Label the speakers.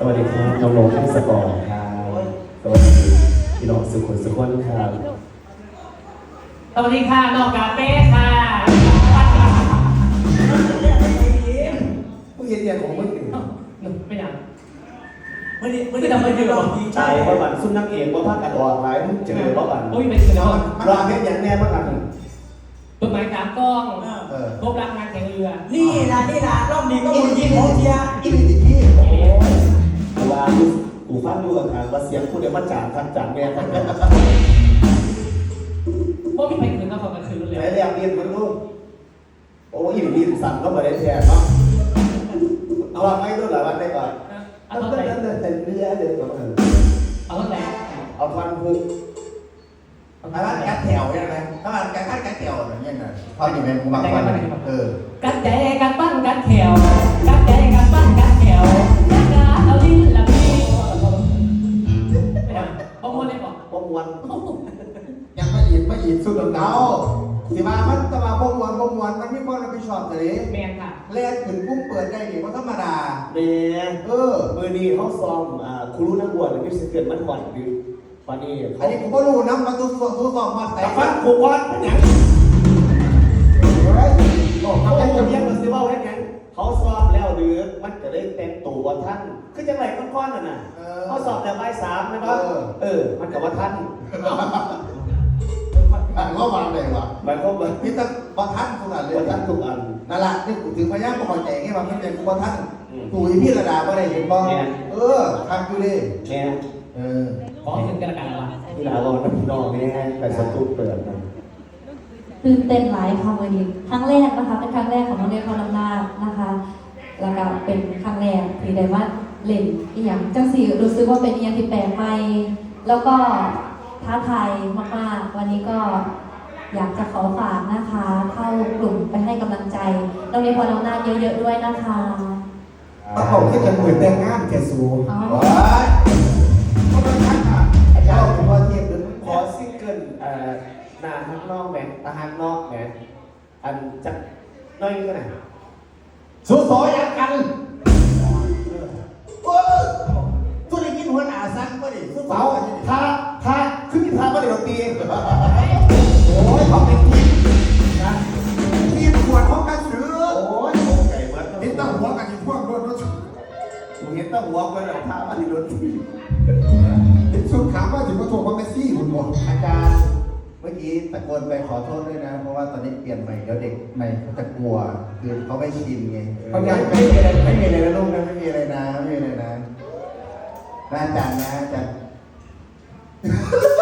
Speaker 1: วัสดีครับน้องโลให้สปอร์ตครับสวัสดีพี่น้องสุขุมสุขนครับ
Speaker 2: สวัสดีค่ะน้องกาเป้ค่ะ
Speaker 1: ผู้เรียนของมึง
Speaker 2: ไม่อยาก
Speaker 3: ไม่ได้ทำอะไรหรอก
Speaker 1: ใช่ว่าบันซุ่มนักเอกว่าภาคกันออกหลายมึงเจอว่าบัน
Speaker 2: โอ้ยเป็นเสือ
Speaker 1: รอเพชรอย่างแน่ว่ากัน
Speaker 2: ต้นไม้กลางกล้องพบรักงานแข่งเรือ
Speaker 3: นี่นะรอบนี้ก็บุญยิงโอเทีย
Speaker 1: อีนี่ที่ว่ากูฟังดูกันว่าเสียงกูเดี๋ยวมันจางทันจางแน่กัน
Speaker 2: พวกพี่ไปคืนก็ขอกันคืนเลย
Speaker 1: ไหนเรียกเรียนมันลูกโอ้ยดีสั่งก็มาได้แทนเนาะเอาไม่รู้หลายวันได้ก่อนเอาต้นนั้นแต่เนื้อเดี๋ยวก่อน
Speaker 2: เอาต้นไหน
Speaker 1: เอาพันพุก
Speaker 4: ถ้ามันกัดแถวใช่ไหมถ้ามันกัดแถวอย่างเงี้ยนะพอดีเป็นกูบางคน
Speaker 2: กัดใจกัดปั้นกัดแถวกัดใจกัดปั้นกัดแถวกัดกาเอาลิ้นละพี่ป้องมวนได้บอก
Speaker 1: ป้องมวน
Speaker 4: ยังไม่อีกสุดเดาสิมามันตะมาป้องมวนมันไม่ป้องเราไปชอบเลย
Speaker 2: แมนค่ะ
Speaker 4: เล่นถึงกุ้งเปิดได้ดิเพราะธรรมดา
Speaker 1: เนี่ยมือดีเขาซ้อมครูนักบวชหรือไม่ใช่เกิดมันหวั่นดิวันนี้
Speaker 4: อันนี้ผมก็รู้นะมาตู้สอบมาแต่
Speaker 1: ฟันผูกวัดเป็นยังเขาเป็นคนเรียกมันซิว่าได้ยังเขาซ้อมแล้วหรือมันจะได้เต็มตัวท่านคือจังไรก้อนๆน่ะเขาสอบแต่ใบ3นะครับมันกับว่าท่าน
Speaker 4: ก็วางเลยว่ะ
Speaker 1: หมายความว่า
Speaker 4: พี่ต้องว่าท่านทุกอันเลย
Speaker 1: ท่านทุกอัน
Speaker 4: นั่นแหละนี่ถึงพยายามประกอบใจไงว่าพี่เป็นว่าท่านตู่อีพี่ระดาก็ได้เห็นบ้างทำอยู่ดิ
Speaker 2: ขอให้ถึงกระดาษละ
Speaker 1: ที่เราลองน้ำนองนี่แต่สตูเปิดนะ
Speaker 5: ตื่นเต้นหลายค่ะวันนี้ครั้งแรกนะคะเป็นครั้งแรกของโรงเรียนพรลำนานะคะแล้วก็เป็นครั้งแรกที่ได้ว่าเล่นอีหยังจังสีรู้สึกว่าเป็นอีหยังที่แปลกใหม่แล้วก็ท้าทายมากๆวันนี้ก็อยากจะขอฝากนะคะเข้ากลุ่มไปให้กำลังใจโรงเรียนพรลำนาเยอะๆด้วยนะคะ
Speaker 4: เขาที่จะเหมือนแต่งงานแกสูง
Speaker 1: ขอซิงเกิลนาฮักนอกแมนตาฮักนอกแมนอันจักน้อยนี่ก็ไหน
Speaker 4: สู้สอยังกันทุเรศกินหัวหน้าสั้นก็ดิสู้
Speaker 1: เสาท่าขึ้นที่ท่าก็เดี๋ยวตี
Speaker 4: โอ้ยเขาเป็นทีมนะทีมขวดของกระสือ
Speaker 1: โอ้ยไก่เบิร์ด
Speaker 4: เห็นตั้งหัวกันอยู่พวกรถ
Speaker 1: มึงเห็นตั้งหัวกันแล้วท่าอันนี้รถตี
Speaker 4: สุดขาว่าถึงมาโทรว่าเมสซี่คุณหมดอาจารย์เมื่อกี้ตะโกนไปขอโทษด้วยนะเพราะว่าตอนนี้เปลี่ยนใหม่เดี๋ยวเด็กใหม่เขาจะกลัวคือเขาไม่ชินไงเขาอยากไม่มีอะไรนะลูกนะไม่มีอะไรนะอาจารย์นะอาจารย์